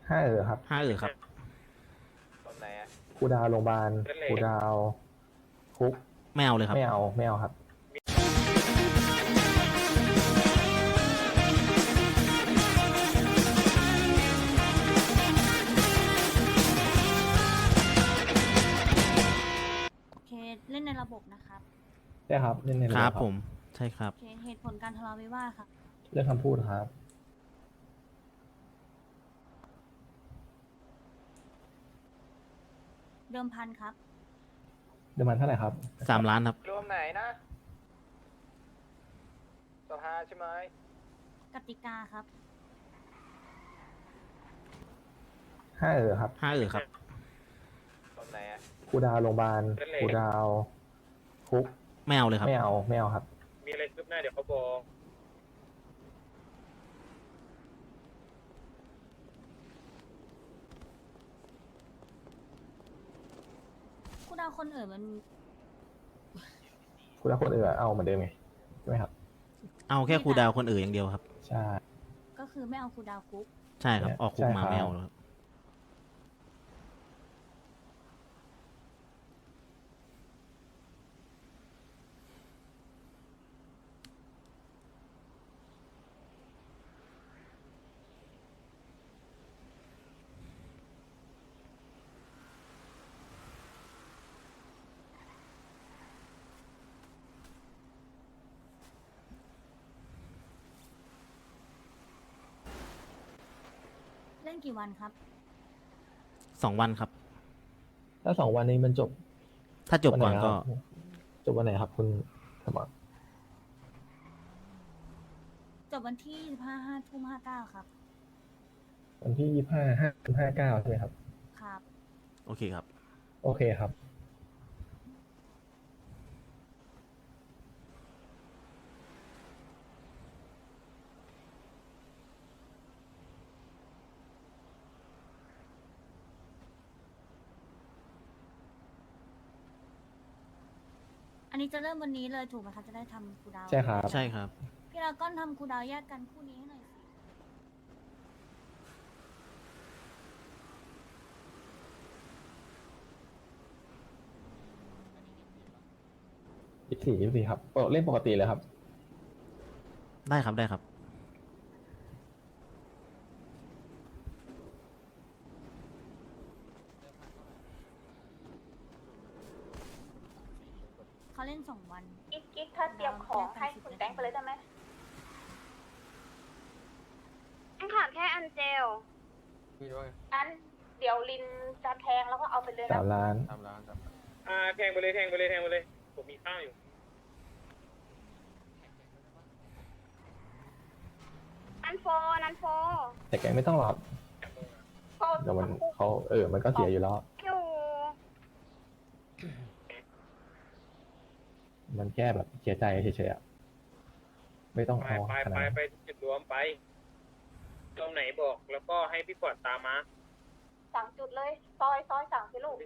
ครับครับตรงไหนอะครูดาวโรงพยาบาลครูดาวคุกไม่เอาเลยครับไม่เอาครับโอเคเล่นในระบบนะครับใช่ครับเล่นในครับคผรับมใช่ครับโอเคเหตุผลการทะเลาะวิวาทค่ะเรื่องคำพูดครับเดิมพันครับเดือนมันเท่าไหร่ครับ 3 ล้านครับรวมไหนนะสภาใช่ไหมกติกาครับครับครับตรงไหนอะครูดาวโรงพยาบาลครูดาวคุกไม่เอาเลยครับไม่เอาครับมีอะไรคืบหน้าเดี๋ยวเขาบอกคู่ดาวคนอื่นมันครูดาวคนอื่นเอาเหมือนเดิมไงใช่ไหมครับเอาแค่ครูดาวคนอื่นอย่างเดียวครับใช่ก็คือไม่เอาคู่ดาวคุกใช่ครับ ออกคุกมาใช่ครับไม่เอาครับเล่นกี่วันครับ 2 วันครับถ้า2 วันนี้มันจบถ้าจบก่อนวัไหก็ครับจบวันไหนครับคุณสมรจบวันที่25/5/59ครับวันที่25/5/59ใช่ไหมครับครับโอเคครับโอเคครับอันนี้จะเริ่มวันนี้เลยถูกไหมคะจะได้ทำคู่ดาวใช่ครับใช่ครับพี่เราก้อนทำคู่ดาวแยกกันคู่นี้ให้หน่อยสิ 24ครับเล่นปกติเลยครับได้ครับได้ครับเขาเล่น2 วันกิ๊กถ้าเตรียมของให้คุณแบงค์ไปเลยได้ไหมยังขาดแค่อันเจลอันเดี๋ยวลินจะแทงแล้วก็เอาไปเลยนะ 3 ล้านแทงไปเลยแทงไปเลยแทงไปเลย ผมมีข้าวอยู่อันโฟนันโฟแต่แกไม่ต้องหรอกก็เดี๋ยวมันเขามันก็เสียอยู่แล้วอยู่มันแค่แบบเสียใจเฉยๆอะไม่ต้องไปเอาไปขนาดไปนั้นไปจุดรวมไป ตรงไหนบอก แล้วก็ให้พี่กอดตามมาสั่งจุดเลย ซอยสั่งสิลูก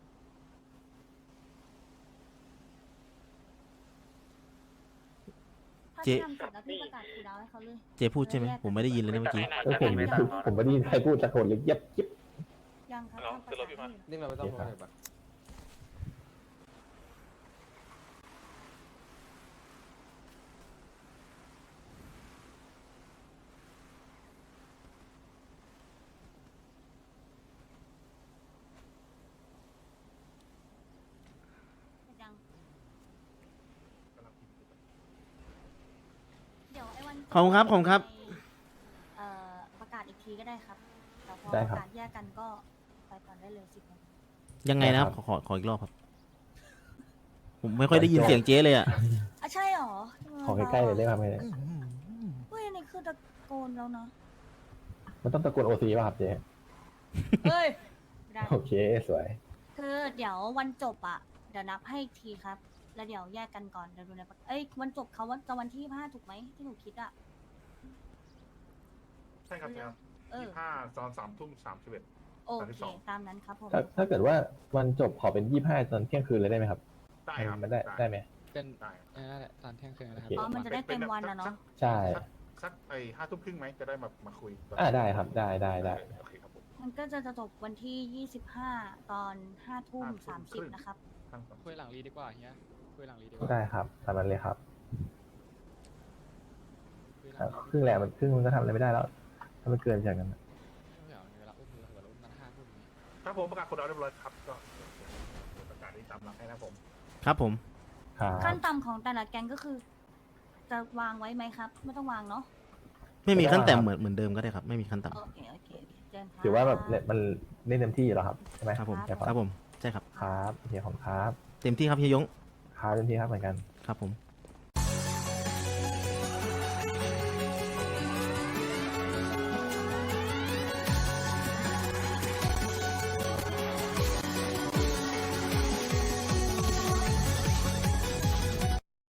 ถ้าเจ๊ทำเสร็จแล้วพี่ประกาศคู่ดาวให้เขาเลยเจพูดใช่ไหม ผมไม่ได้ยินเลยนะเมื่อกี้ผมไม่ได้ยินใครพูดตะโกนเลยเย็บยิบยังครับทำประกาศให้อยู่นี่มันไม่ต้องพูดเลยปะยังเดี๋ยวไอ้วันขอบคุณครับขอบคุณครับประกาศอีกทีก็ได้ครับแต่พอได้ปครับระกาศแยกกันก็ไปก่อนได้เลย10 นาทียังไงนะครับได้ครับขออีกรอบครับ ผมไม่ค่อยได้ยินเสียงเจ๊เลยอ่ะอ่ะใช่หรอขอใกล้ๆเลยได้ไหมเฮ้ยอันนี่คือตะโกนแล้วนะมันต้องตะโกนโอซีป่ะครับเจ๊เฮ้ยไม่ได้โอเคสวยคือเดี๋ยววันจบอ่ะเดี๋ยวนับให้อีกทีครับ แล้วเดี๋ยวแยกกันก่อนเดี๋ยวดูในประเอ้ยวันจบเขาจะวันที่25ถูกไหมที่หนูคิดอ่ะใช่ครับครับเออ 25ตอน3:31 โอเคตามนั้นครับผมถ้าเกิดว่าวันจบขอเป็น25ตอนเที่ยงคืนเลยได้ไหมครับได้ครับมันได้ไหมเป็นได้นั่นแหละตอนเที่ยงคืนนะครัโอเคอ๋อมันจะได้เต็มวันอะเนาะใช่สัก5 ทุ่มครึ่งไหมจะได้มาคุยได้ครับได้โอเคครับผมมันก็จะจบวันที่ 25 ตอน 5 ทุ่ม 30 นะครับคุยหลังรีดีกว่าเฮียคุยหลังรีดีกว่าได้ครับตามนั้นเลยครับคุยหลังรีครึ่งแหละมันครึ่งมันก็ทำอะไรไม่ได้แล้ว ถ้ามันเกินจากนั้นเดี๋ยวเวลาอุ้มเวลาอุ้มมัน5 ทุ่มนี้ครับผมประกาศคนเอาเรียบร้อยครับก็เดี๋ยวประกาศที่ตามหลักให้นะครับผมครับผมครับขั้นต่ำของแต่ละแก๊งก็คือ จะวางไว้ไหมครับ ไม่ต้องวางเนาะไม่มีขั้นแต่เหมือนเดิมก็ได้ครับ ไม่มีขั้นต่โอเคเจนครับถือว่าแบบมันเล่นเต็มที่อยู่แล้วครับใช่ไหมำครับผมใช่ครับผมใช่ครับครับโอเคของครับเต็มที่ครับเฮียยงครับเต็มที่ครับเหมือนกันครับผม